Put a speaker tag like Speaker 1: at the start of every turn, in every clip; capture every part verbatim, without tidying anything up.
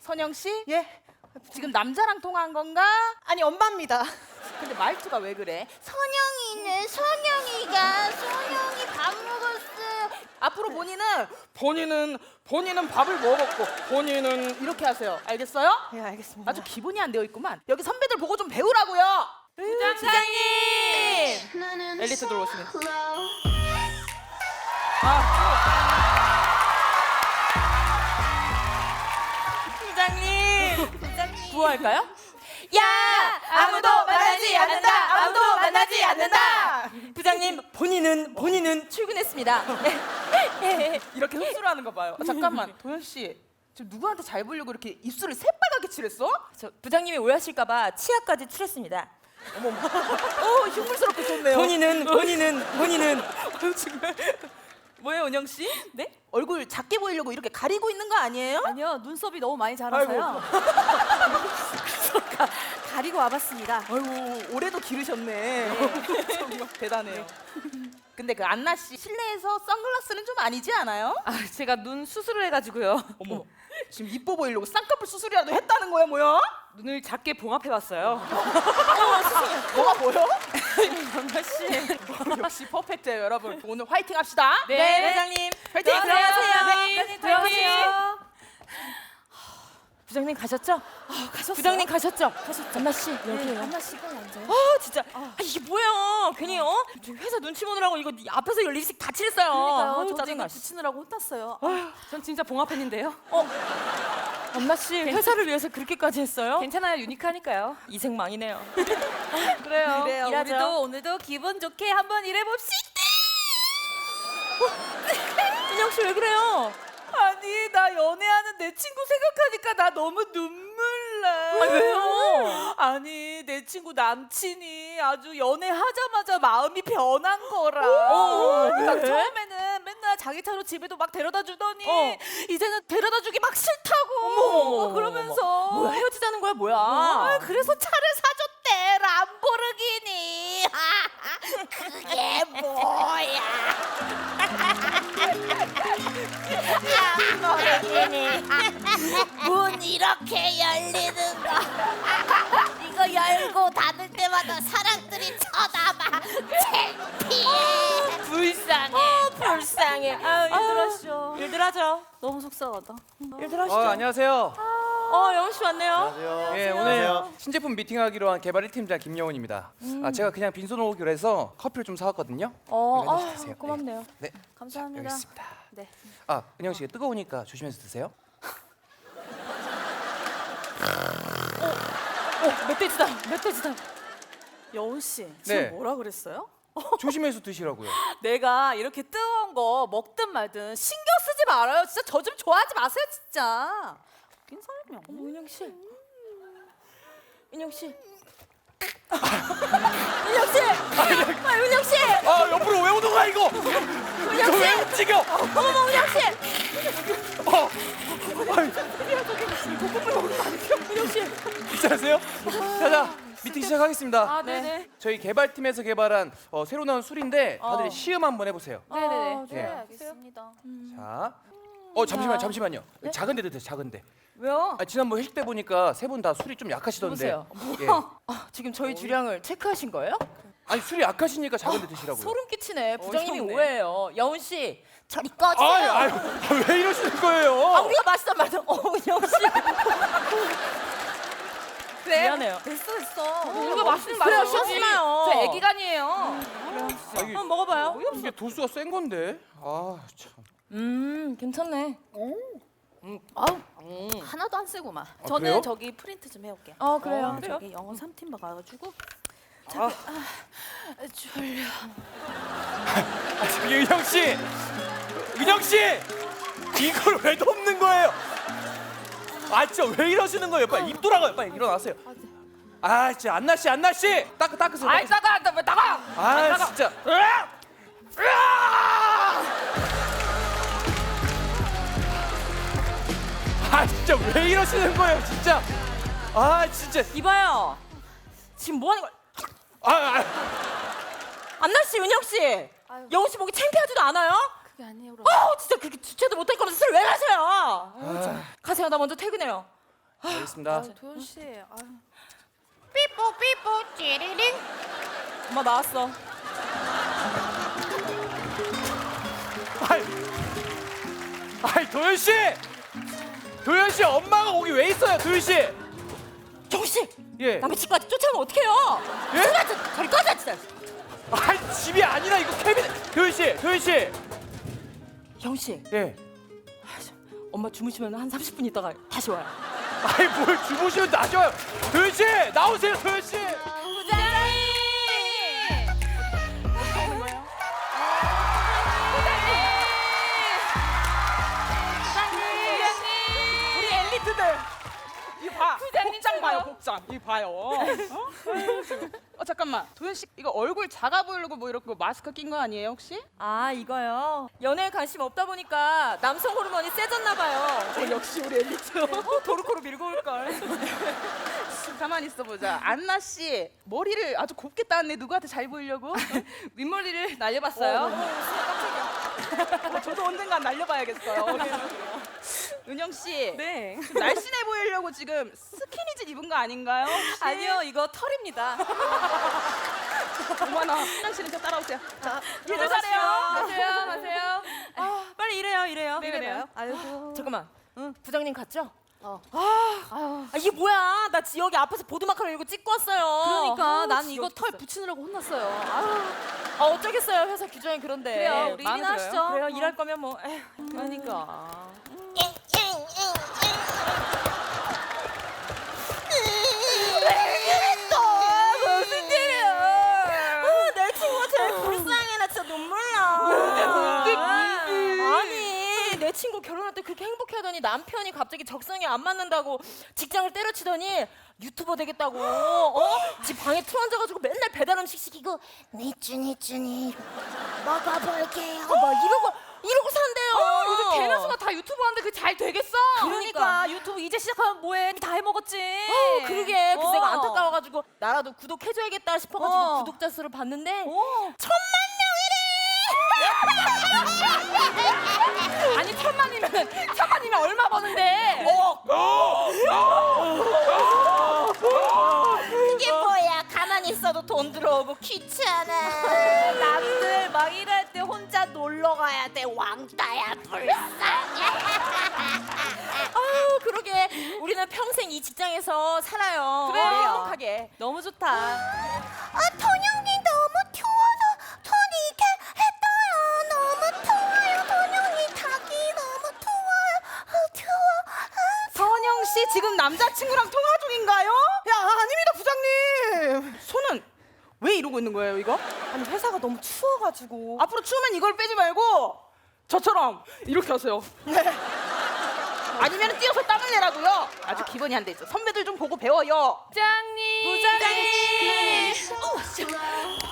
Speaker 1: 선영 씨?
Speaker 2: 예?
Speaker 1: 지금 남자랑 통화한 건가?
Speaker 2: 아니 엄마입니다.
Speaker 1: 근데 말투가 왜 그래?
Speaker 3: 선영이는 선영이가 선영이 밥 먹었어.
Speaker 1: 앞으로 본인은 본인은 본인은 밥을 먹었고 본인은 이렇게 하세요. 알겠어요?
Speaker 2: 예, 알겠습니다.
Speaker 1: 아주 기본이 안 되어 있구만. 여기 선배들 보고 좀 배우라고요. 부장님! 엘리트 들어오시면.
Speaker 3: 부장님. 부장님.
Speaker 1: 구호할까요?
Speaker 3: 야 아무도 만나지 않는다. 아무도 만나지 않는다.
Speaker 1: 부장님 본인은 본인은 출근했습니다. 이렇게 흡수를 하는 거 봐요. 아, 잠깐만 도현 씨 지금 누구한테 잘 보려고 이렇게 입술을 새빨갛게 칠했어?
Speaker 3: 저 부장님이 오해하실까봐 치아까지 칠했습니다.
Speaker 1: 어머, 어 흉물스럽게 좋네요.
Speaker 3: 본인은 본인은 본인은
Speaker 1: 정말. 뭐예요 은영 씨?
Speaker 3: 네?
Speaker 1: 얼굴 작게 보이려고 이렇게 가리고 있는 거 아니에요?
Speaker 3: 아니요 눈썹이 너무 많이 자라서요. 가리고 와봤습니다.
Speaker 1: 아이고 올해도 기르셨네. 정말 대단해요. 근데 그 안나 씨 실내에서 선글라스는 좀 아니지 않아요?
Speaker 3: 아 제가 눈 수술을 해가지고요.
Speaker 1: 어머 지금 이뻐 보이려고 쌍꺼풀 수술이라도 했다는 거야 뭐야?
Speaker 3: 눈을 작게 봉합해봤어요.
Speaker 1: 뭐가 보여?
Speaker 3: 안나 씨.
Speaker 1: 역시 퍼펙트예요 여러분. 오늘 화이팅 합시다.
Speaker 3: 네, 부장님.
Speaker 1: 화이팅!
Speaker 3: 들어가세요.
Speaker 1: 네,
Speaker 3: 들어가세요. 부장님 가셨죠?
Speaker 1: 아, 가셨어요?
Speaker 3: 부장님 가셨죠? 가셨죠? 안나 씨 여기요.
Speaker 2: 한나 씨가 앉아요.
Speaker 3: 아 진짜 아, 이게 뭐야? 괜히 어? 저 회사 눈치 보느라고 이거 앞에서 이 립스틱 다 칠했어요.
Speaker 2: 그러니까요.
Speaker 3: 아우,
Speaker 2: 저도
Speaker 3: 짜증나.
Speaker 2: 이거 붙이느라고 혼났어요.
Speaker 3: 전 진짜 봉합했는데요. 어? 엄마 씨 회사를 위해서 그렇게까지 했어요? 괜찮아요. 유니크하니까요. 이생망이네요. 그래요.
Speaker 2: 그래요.
Speaker 3: 일하죠.
Speaker 2: 우리도 오늘도 기분 좋게 한번 일해봅시다.
Speaker 3: 준영 씨 왜 그래요?
Speaker 2: 아니 나 연애하는 내 친구 생각하니까 나 너무 눈물 나.
Speaker 3: 아, 왜요?
Speaker 2: 아니 내 친구 남친이 아주 연애하자마자 마음이 변한 거라.
Speaker 3: 어,
Speaker 2: 딱
Speaker 3: 왜?
Speaker 2: 처음에는 맨날 자기 차로 집에도 막 데려다 주더니
Speaker 3: 어.
Speaker 2: 이제는 데려다 주기 막 싫다고.
Speaker 3: 어머,
Speaker 2: 그러면서
Speaker 3: 뭐야 헤어지자는 거야 뭐야?
Speaker 2: 아, 그래서 차를 사줬대 람보르기니. 그게 뭐야? 람보르기니. 문 이렇게 열리는 거. 이거 열고 닫을 때마다 사람들이 쳐다봐. 창피해.
Speaker 3: 불쌍해.
Speaker 2: 어, 불쌍해. 아, 일들 하시죠.
Speaker 3: 일들 하죠.
Speaker 2: 너무 속상하다.
Speaker 3: 일들 하시죠.
Speaker 4: 어, 안녕하세요.
Speaker 3: 어 영훈 씨 왔네요.
Speaker 5: 안녕하세요.
Speaker 4: 예, 오늘 신제품 미팅하기로 한 개발 일 팀장 김영훈입니다. 아, 제가 그냥 빈손 오기로 해서 커피를 좀 사왔거든요.
Speaker 3: 어,
Speaker 4: 여기 앉아서
Speaker 3: 아,
Speaker 4: 드세요.
Speaker 3: 고맙네요.
Speaker 4: 네,
Speaker 2: 감사합니다.
Speaker 4: 여기 있습니다.
Speaker 2: 네.
Speaker 4: 아, 은영 씨 뜨거우니까 조심해서 드세요.
Speaker 3: 어, 멧돼지다. 멧돼지다.
Speaker 2: 여운 씨, 지금
Speaker 4: 네.
Speaker 2: 뭐라 그랬어요?
Speaker 4: 조심해서 드시라고요.
Speaker 2: 내가 이렇게 뜨거운 거 먹든 말든 신경 쓰지 말아요. 진짜 저 좀 좋아하지 마세요, 진짜. 웃긴 사람이야.
Speaker 3: 어머 은영 씨. 은영 씨.
Speaker 2: 은영 씨! 아, 은영 씨!
Speaker 4: 아, 옆으로 왜 오는 거야 이거? 이거 왜 움직여?
Speaker 2: 어머머, 은영 씨!
Speaker 4: 어,
Speaker 2: 은영 씨!
Speaker 4: 괜찮으세요? 자자, 미팅 시작하겠습니다.
Speaker 3: 아 네네.
Speaker 4: 저희 개발팀에서 개발한 어, 새로 나온 술인데 다들
Speaker 3: 어.
Speaker 4: 시음 한번 해보세요.
Speaker 3: 네네네.
Speaker 2: 아, 네,
Speaker 4: 예.
Speaker 2: 알겠습니다.
Speaker 4: 자, 어 잠시만, 잠시만요. 작은데 드세요, 작은데.
Speaker 3: 왜요?
Speaker 4: 아, 지난번 회식 때 보니까 세 분 다 술이 좀 약하시던데.
Speaker 3: 보세요.
Speaker 4: 예.
Speaker 3: 아, 지금 저희 주량을 체크하신 거예요?
Speaker 4: 아니 술이 약하시니까 작은데 드시라고요.
Speaker 3: 소름 끼치네. 부장님이
Speaker 2: 어이없네.
Speaker 3: 오해해요. 여운 씨, 저리 꺼주세요.
Speaker 4: 아유, 아유, 아, 왜 이러시는 거예요?
Speaker 3: 아, 우리가 마시던 말던 어, 은영 씨.
Speaker 2: 그래.
Speaker 3: 미안해요.
Speaker 2: 됐어, 됐어.
Speaker 3: 우리가 마시는
Speaker 2: 그래요,
Speaker 3: 말이지.
Speaker 2: 쉬지 마요.
Speaker 3: 저 애기간이에요.
Speaker 4: 아, 이게,
Speaker 3: 한번 먹어봐요.
Speaker 4: 이게 도수가 센 건데. 아 참.
Speaker 3: 음, 괜찮네.
Speaker 2: 아우, 하나도 안 쓰고만. 저는
Speaker 4: 그래요?
Speaker 2: 저기 프린트 좀 해올게.
Speaker 3: 어, 그래요.
Speaker 2: 어, 저기 영어 삼 팀 가가지고.
Speaker 4: 아,
Speaker 2: 아, 졸려.
Speaker 4: 아 저기 은영 씨, 은영 씨, 이걸 왜 덮는 거예요? 아 진짜 왜 이러시는 거예요? 빨리 입 돌아가요. 빨리 일어나세요. 아 진짜 안나 씨, 안나 씨, 닦 닦으세요.
Speaker 3: 아이,
Speaker 4: 닦으세요.
Speaker 3: 따가, 왜 따가?
Speaker 4: 아 진짜. 으악! 으악! 아 진짜 왜 이러시는 거예요, 진짜. 아 진짜.
Speaker 3: 이봐요. 지금 뭐 하는 거야?
Speaker 4: 아, 아.
Speaker 3: 안나 씨, 은영 씨. 영훈 씨 보기 창피하지도 않아요?
Speaker 2: 그게 아니에요, 그럼.
Speaker 3: 어, 진짜 그렇게 주체도 못할 거면서 술 왜 마셔요? 아유, 참. 가세요. 나 먼저 퇴근해요.
Speaker 4: 알겠습니다.
Speaker 2: 도현 씨. 아유.
Speaker 1: 삐뽀 삐뽀 찌리링.
Speaker 3: 엄마 나왔어.
Speaker 4: 아이, 아이 도현 씨, 도현 씨 엄마가 거기 왜 있어요, 도현 씨?
Speaker 3: 정씨,
Speaker 4: 예.
Speaker 3: 남의 집까지 쫓아오면 어떡해요?
Speaker 4: 예?
Speaker 3: 진짜 저리 꺼져 진짜.
Speaker 4: 아이 집이 아니라 이거 캐비넷. 도현 씨, 도현 씨.
Speaker 3: 형씨,
Speaker 4: 예.
Speaker 3: 엄마 주무시면 한 삼십 분 있다가 다시 와요.
Speaker 4: 아이 뭘 주무시면 나줘요. 도현 씨 나오세요, 도현 씨.
Speaker 3: 부장님!
Speaker 1: 우리 엘리트들. 이 봐.
Speaker 3: 부장님
Speaker 1: 복장 봐요,
Speaker 3: 최고.
Speaker 1: 복장. 이 봐요. 어? 어 잠깐만. 도현 씨 이거 얼굴 작아 보이려고 뭐 이렇게 마스크 낀 거 아니에요 혹시?
Speaker 3: 아 이거요. 연애에 관심 없다 보니까 남성 호르몬이 세졌나 봐요.
Speaker 1: 어, 역시 우리 엘리트.
Speaker 3: 어, 도루코로 밀고 올 걸.
Speaker 1: 가만히 있어 보자. 안나 씨 머리를 아주 곱게 땄네. 누구한테 잘 보이려고?
Speaker 3: 윗머리를 날려봤어요.
Speaker 1: 어, 저도 언젠간 날려봐야겠어요. 은영 씨.
Speaker 3: 네.
Speaker 1: 좀 날씬해 보이려고 지금 스키니진 입은 거 아닌가요? 혹시?
Speaker 2: 아니요, 이거 털입니다.
Speaker 1: 어머나. 화장실에 저 따라오세요. 자,
Speaker 3: 들어가세요. 가세요. 가세요. 아, 빨리 일해요. 일해요.
Speaker 1: 네, 그래요.
Speaker 2: 아이고.
Speaker 3: 잠깐만. 응, 부장님 갔죠?
Speaker 2: 어.
Speaker 3: 아, 아, 이게 뭐야? 나 지역이 앞에서 보드마카를 이러고 찍고 왔어요.
Speaker 2: 그러니까
Speaker 3: 아,
Speaker 2: 난 이거 털
Speaker 3: 지겹겠어.
Speaker 2: 붙이느라고 혼났어요. 아유.
Speaker 3: 아, 어쩌겠어요. 회사 규정이 그런데.
Speaker 2: 그래요, 우리
Speaker 3: 마음에
Speaker 2: 일이나
Speaker 3: 들어요?
Speaker 2: 하시죠.
Speaker 3: 그래요.
Speaker 2: 어.
Speaker 3: 일할 거면 뭐. 에휴.
Speaker 2: 그러니까.
Speaker 3: 무슨 일이야? 아, 내 친구가 제일 불쌍해. 나 진짜 눈물 나. 아니, 내 친구 결혼할 때 그렇게 행복해하더니 남편이 갑자기 적성에 안 맞는다고 직장을 때려치더니 유튜버 되겠다고. 어? 집 방에 틀어앉아가지고 맨날 배달 음식 시키고 니쭈 니쭈니 먹어볼게요. 막 이러고 이러고 산대요.
Speaker 2: 어, 요즘 개나 수가 다 유튜브 하는데 그게 잘 되겠어?
Speaker 3: 그러니까.
Speaker 2: 그러니까 유튜브 이제 시작하면 뭐해? 다 해먹었지.
Speaker 3: 어, 그러게 그새가
Speaker 2: 어.
Speaker 3: 안타까워가지고 나라도 구독해줘야겠다 싶어가지고
Speaker 2: 어.
Speaker 3: 구독자 수를 봤는데
Speaker 2: 어.
Speaker 3: 천만
Speaker 2: 아니 천만이면 천만이면 얼마 버는데?
Speaker 3: 그게 뭐야? 가만히 있어도 돈 들어오고 귀찮아.
Speaker 2: 남들 막 일할 때 혼자 놀러 가야 돼. 왕따야 불쌍해.
Speaker 3: 아유 그러게 우리는 평생 이 직장에서 살아요.
Speaker 2: 그래요.
Speaker 3: 행복하게.
Speaker 2: 너무 좋다.
Speaker 3: 아 통영이 너무 추워서 손이 이렇게 했어요. 너무 추워요. 통영이 닭이 너무 추워요. 아, 추워.
Speaker 1: 선영 씨 지금 남자친구랑 통화 중인가요? 야 아닙니다 부장님. 손은 왜 이러고 있는 거예요 이거?
Speaker 3: 아니 회사가 너무 추워가지고.
Speaker 1: 앞으로 추우면 이걸 빼지 말고 저처럼 이렇게 하세요. 네. 아니면 뛰어서 땀을 내라고요. 아주 기본이 안 돼 있어. 선배들 좀 보고 배워요.
Speaker 2: 부장님.
Speaker 3: 부장님.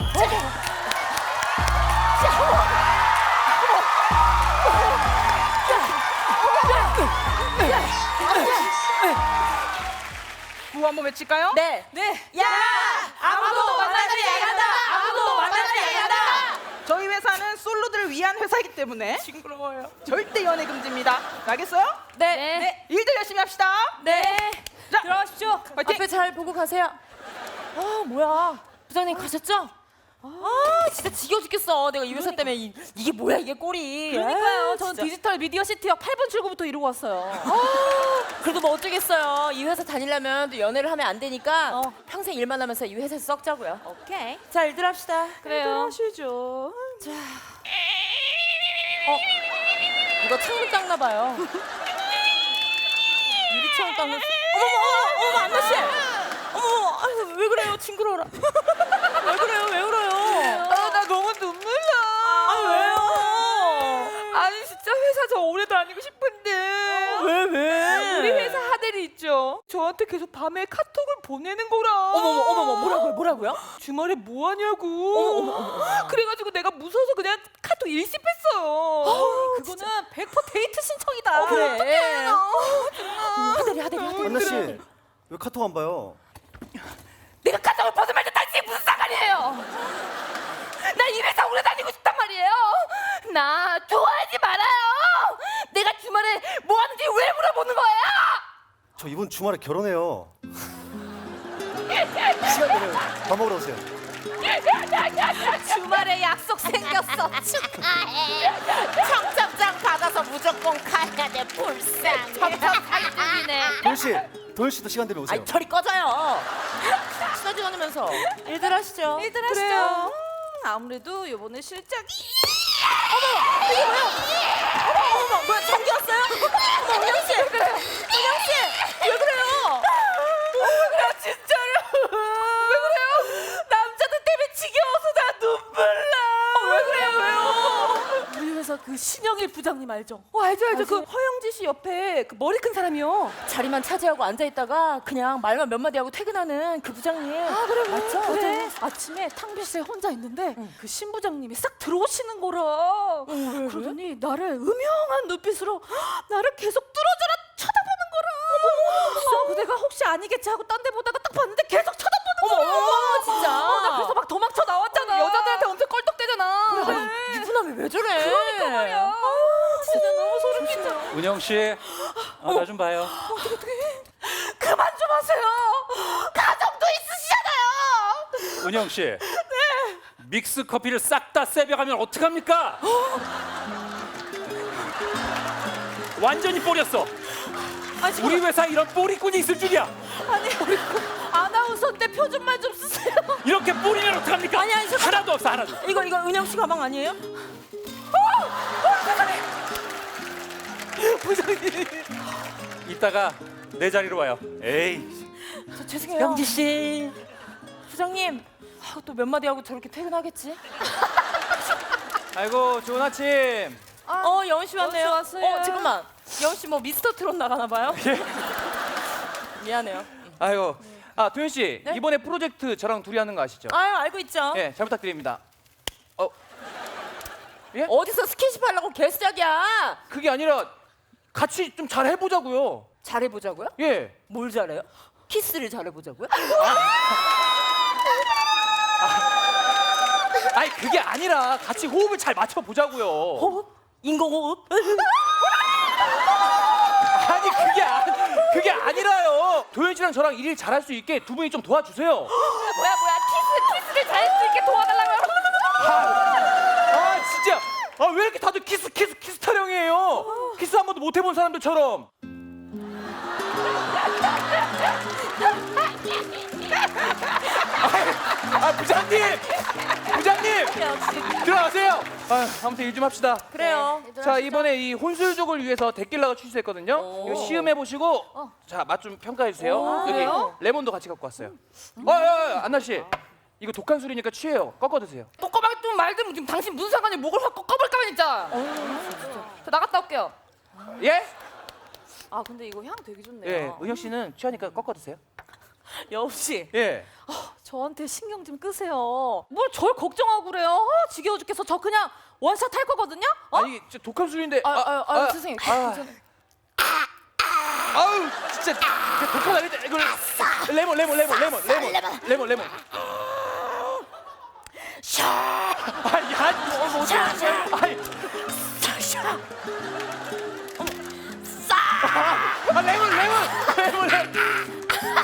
Speaker 1: 구호 한번 외칠까요?
Speaker 3: 네.
Speaker 2: 네.
Speaker 3: 야
Speaker 2: 아무도 만나지 않는다. 아무도 만나지 않는다.
Speaker 1: 저희 회사는 솔로들을 위한 회사이기 때문에
Speaker 3: 징그러워요.
Speaker 1: 절대 연애 금지입니다. 알겠어요?
Speaker 3: 네.
Speaker 2: 네.
Speaker 1: 일들 열심히 합시다.
Speaker 3: 네.
Speaker 1: 자,
Speaker 2: 들어가십시오.
Speaker 1: 파이팅!
Speaker 3: 앞에 잘 보고 가세요. 아 뭐야? 부장님 가셨죠? 아 진짜 지겨워 죽겠어. 내가 이 회사 때문에 이, 이게 뭐야 이게 꼴이.
Speaker 2: 그러니까요.
Speaker 3: 에이,
Speaker 2: 저는
Speaker 3: 진짜.
Speaker 2: 디지털 미디어 시티역 팔 번 출구부터 이러고 왔어요.
Speaker 3: 아, 그래도 뭐 어쩌겠어요. 이 회사 다니려면 또 연애를 하면 안 되니까
Speaker 2: 어.
Speaker 3: 평생 일만 하면서 이 회사에서 썩자고요.
Speaker 2: 오케이.
Speaker 3: 자 일들 합시다.
Speaker 2: 그래요.
Speaker 3: 하시죠. 자. 어 이거 창문 닦나 봐요. 유리창 닦는. 어머머 어머 안나 씨. 어머 아유, 왜 그래요 징그러워라. 왜 그래요 왜 그래요?
Speaker 2: 아, 나 너무 눈물 나.
Speaker 3: 아 왜요?
Speaker 2: 아니 진짜 회사 저 오래 다니고 싶은데.
Speaker 3: 왜 왜?
Speaker 2: 우리 회사 하들이 있죠. 저한테 계속 밤에 카톡을 보내는 거라.
Speaker 3: 어머머 어머머 뭐라고요 뭐라고요?
Speaker 2: 주말에 뭐 하냐고.
Speaker 3: 어머, 어머, 어머.
Speaker 2: 그래가지고 내가 무서워서 그냥 카톡 일십했어요. 그거는 백 퍼센트 데이트 신청이다.
Speaker 3: 그래. 하대리 하대리 하대리.
Speaker 5: 안나 씨, 왜 카톡 안 봐요?
Speaker 2: 내가 카톡을 벗으면 당신이 무슨 상관이에요? 나 이 회사 오래 다니고 싶단 말이에요. 나 좋아하지 말아요. 내가 주말에 뭐 하는지 왜 물어보는 거예요?
Speaker 5: 저 이번 주말에 결혼해요. 시간 되면 밥 먹으러 오세요.
Speaker 2: 주말에 약속 생겼어. 축하해. 청첩장 받아서 무조건 가야 돼. 불쌍해. 청첩 살등이네.
Speaker 5: 도현 씨, 도현 씨도 시간 되면 오세요.
Speaker 3: 아이 저리 꺼져요. 친하지 않으면서 일들 하시죠.
Speaker 2: 일들 하시죠.
Speaker 3: 그래요.
Speaker 2: 음, 아무래도 이번에 실적이
Speaker 3: 어머 뭐야 전기 왔어요? 어머 은영 씨. 왜 그래요? 은영 씨. 왜 그래요?
Speaker 2: 나 진짜로 왜 그래요? 남자들 때문에 지겨워서 나 눈물 나. 왜 그래요? 왜요? 우리 회사 그 신영일 부장님 알죠?
Speaker 3: 어 알죠 알죠. 그 허영지 씨 옆에 그 머리 큰 사람이요. 자리만 차지하고 앉아 있다가 그냥 말만 몇 마디 하고 퇴근하는 그 부장님. 아 그래
Speaker 2: 맞죠?
Speaker 3: 그래.
Speaker 2: 어제 아침에 탕비실에 혼자 있는데 그 신부장님이 싹 들어오시는 거라.
Speaker 3: 왜,
Speaker 2: 그러더니 나를 음영한 눈빛으로 나를 계속 뚫어져라 쳐다보는 거라. 어머, 내가 혹시 아니겠지 하고 딴 데 보다가 딱 봤는데 계속 쳐다보는 거야.
Speaker 3: 어머, 진짜.
Speaker 2: 어, 나 그래서 막 도망쳐 나왔잖아.
Speaker 3: 여자들한테
Speaker 2: 엄청 껄떡대잖아.
Speaker 3: 아니 유부남이 왜 저래?
Speaker 2: 그러니까 말이야. 아, 진짜 너무 소름 끼쳐.
Speaker 4: 은영 씨, 어, 나 좀 봐요.
Speaker 2: 그만 좀 하세요. 가정도 있으시잖아요.
Speaker 4: 은영 씨. 네. 믹스 커피를 싹 다 세벼가면 어떡합니까? 완전히 뽀렸어.
Speaker 2: 아니,
Speaker 4: 우리 회사에 이런 뽀리꾼이 있을 줄이야.
Speaker 2: 아니 우리 그 아나운서 때 표준말 좀 쓰세요.
Speaker 4: 이렇게 뿌리면 어떡합니까?
Speaker 3: 아니, 아니, 잠깐만.
Speaker 4: 하나도 없어, 하나도.
Speaker 3: 이거 이거 은영 씨 가방 아니에요?
Speaker 4: 이따가 내 자리로 와요. 에이.
Speaker 3: 저 죄송해요. 영지 씨. 부장님. 아, 또 몇 마디 하고 저렇게 퇴근하겠지?
Speaker 4: 아이고, 좋은 아침.
Speaker 3: 어 여은 씨 왔네요.
Speaker 2: 여은 씨 왔어요.
Speaker 3: 어 잠깐만. 여은 씨 뭐 미스터 트롯 나가나 봐요? 미안해요.
Speaker 6: 아이고, 아 도현 씨
Speaker 3: 네?
Speaker 6: 이번에 프로젝트 저랑 둘이 하는 거 아시죠?
Speaker 3: 아유 알고 있죠.
Speaker 6: 예, 잘 부탁드립니다. 어,
Speaker 3: 어디서 스킨십 하려고 개수작이야?
Speaker 6: 그게 아니라 같이 좀 잘 해보자고요.
Speaker 3: 잘해보자고요?
Speaker 6: 예.
Speaker 3: 뭘 잘해요? 키스를 잘해보자고요?
Speaker 6: 아니 그게 아니라 같이 호흡을 잘 맞춰 보자고요.
Speaker 3: 호흡? 인공호흡?
Speaker 6: 아니 그게 아, 그게 아니라요. 도현 씨랑 저랑 일일 잘할 수 있게 두 분이 좀 도와주세요.
Speaker 2: 뭐야 뭐야 키스 키스를 잘할 수 있게 도와달라고요.
Speaker 6: 아 진짜. 아 왜 이렇게 다들 키스 키스 키스 타령이에요? 키스 한 번도 못 해본 사람들처럼. 아, 아 부장님, 부장님 들어가세요. 아, 아무튼 일 좀 합시다.
Speaker 3: 그래요.
Speaker 6: 자 이번에 이 혼술족을 위해서 데킬라가 출시했거든요. 이거 시음해 보시고 자 맛 좀 평가해 주세요. 여기
Speaker 3: 그래요?
Speaker 6: 레몬도 같이 갖고 왔어요. 어, 어, 어, 안나 씨, 이거 독한 술이니까 취해요. 꺾어 드세요.
Speaker 2: 꼬꼬박 좀 말든 지금 당신 무슨 상관이 목을 확 꺾어볼까 진짜. 저 나갔다 올게요.
Speaker 6: 예?
Speaker 2: 아 근데 이거 향 되게 좋네요.
Speaker 6: 예, 은혁 씨는 취하니까 꺾어 드세요.
Speaker 2: 여우 씨,
Speaker 6: 예.
Speaker 2: 저한테 신경 좀 끄세요. 뭘 절 걱정하고 그래요? 아, 지겨워 죽겠어. 저 그냥 원샷 할 거거든요. 어?
Speaker 6: 아니 진짜 독한 술인데.
Speaker 2: 아, 아, 아, 죄송해요.
Speaker 6: 아, 아우 진짜 진짜 독한 아닌데 이걸 레몬 레몬 레몬 레몬 레몬 레몬 레몬. 아니 아니 뭐 샤. 아니 아 레몬 레몬 레몬 레몬.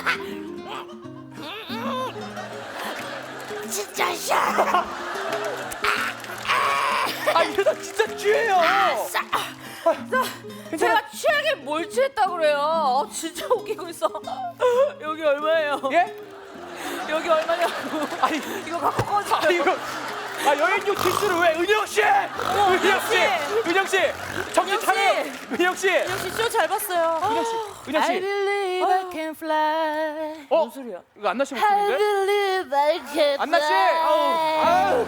Speaker 3: 진짜 샤.
Speaker 6: 아 이러다 진짜 취해요.
Speaker 2: 제가 취하게 뭘 취했다 그래요? 어, 진짜 웃기고 있어. 여기 얼마예요?
Speaker 6: 예?
Speaker 2: 여기 얼마냐고.
Speaker 6: 아니
Speaker 2: 이거 갖고 꺼져.
Speaker 6: 아 이거 아 여행용 티슈를 왜 은영 씨? 은영 씨, 은영 씨, 정신 차려. 은영 씨,
Speaker 3: 은영 씨 쇼 잘 봤어요.
Speaker 6: 은영 씨, 은영 씨.
Speaker 3: believe I can fly.
Speaker 6: 어?
Speaker 3: 뭔 소리야?
Speaker 6: 이거 안나 씨 목소리인데?
Speaker 3: believe I can
Speaker 6: 안나 씨, 아우, 아우,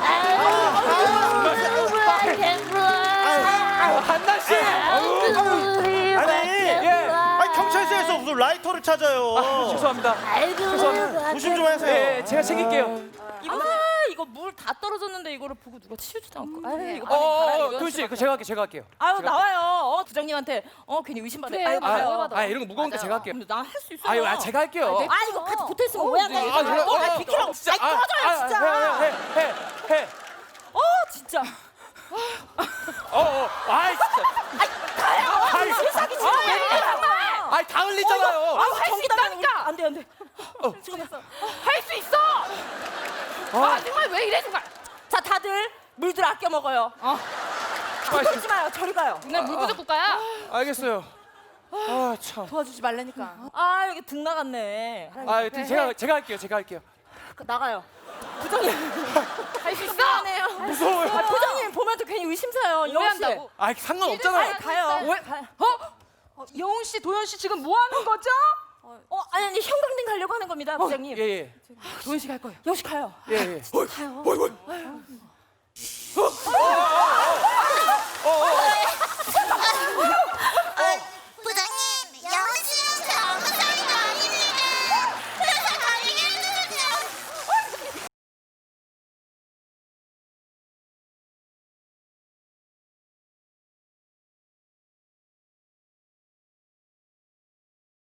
Speaker 3: I can fly.
Speaker 6: 아우, 안나 씨. 아우,
Speaker 3: believe I
Speaker 5: 아니,
Speaker 3: can
Speaker 6: 예.
Speaker 3: fly.
Speaker 5: 아니 경찰서에서 무슨 라이터를 찾아요.
Speaker 6: 아, 죄송합니다.
Speaker 3: I believe I
Speaker 5: 조심 좀
Speaker 3: can
Speaker 5: 하세요.
Speaker 6: 예, 제가 챙길게요.
Speaker 3: 이거 이거 물 다 떨어졌는데 이거를 보고 누가 치우지도 않고. 아유 이거 빨리
Speaker 6: 어,
Speaker 3: 가라
Speaker 6: 어,
Speaker 3: 이거.
Speaker 6: 도현 씨, 그 제가 할게요, 제가 할게요.
Speaker 3: 아유
Speaker 6: 제가
Speaker 3: 나와요. 어 부장님한테 어 괜히 의심받아.
Speaker 2: 그래,
Speaker 3: 아유
Speaker 2: 맞아요.
Speaker 3: 가요.
Speaker 6: 아, 이런 거 무거운 거 제가 할게요.
Speaker 3: 근데 나 할 수 있어.
Speaker 6: 아유, 아, 제가 할게요.
Speaker 3: 아 이거 같이 붙어 있으면 뭐야?
Speaker 6: 네. 아, 그래,
Speaker 3: 어, 아, 비키라고.
Speaker 6: 진짜.
Speaker 3: 아이 꺼져요 진짜.
Speaker 6: 해, 해, 해, 해.
Speaker 3: 어 진짜.
Speaker 6: 어, 어, 아이 진짜.
Speaker 3: 가요.
Speaker 6: 아이,
Speaker 3: 세상이 지금 왜 이래 정말.
Speaker 6: 아니 다 흘리잖아요.
Speaker 3: 아,
Speaker 2: 할 수
Speaker 3: 전기 나가는
Speaker 2: 있다니까.
Speaker 3: 안돼 안돼.
Speaker 2: 할 수 있어. 아 정말 왜 이래 정말.
Speaker 3: 자 다들 물들 아껴 먹어요. 붙들지 마요. 저리 가요.
Speaker 2: 그냥 물 부족 국가야.
Speaker 6: 알겠어요. 아 참.
Speaker 3: 도와주지 말라니까. 아 여기 등 나갔네.
Speaker 6: 아 제가 제가 할게요. 제가 할게요.
Speaker 3: 나가요. 부장님.
Speaker 2: 할 수 있어.
Speaker 3: 미안해요.
Speaker 6: 무서워요.
Speaker 3: 아, 부장님 보면 또 괜히 의심사요.
Speaker 2: 오해한다고.
Speaker 6: 아 상관없잖아요.
Speaker 3: 아니 가요.
Speaker 1: 왜? 어? 영웅 씨, 도현 씨 지금 뭐 하는 거죠?
Speaker 3: 어 아니 아니 형광등 가려고 하는 겁니다, 부장님.
Speaker 6: 예예.
Speaker 3: 도현 씨 갈 거예요. 여시 가요.
Speaker 6: 예 예.
Speaker 3: 가요.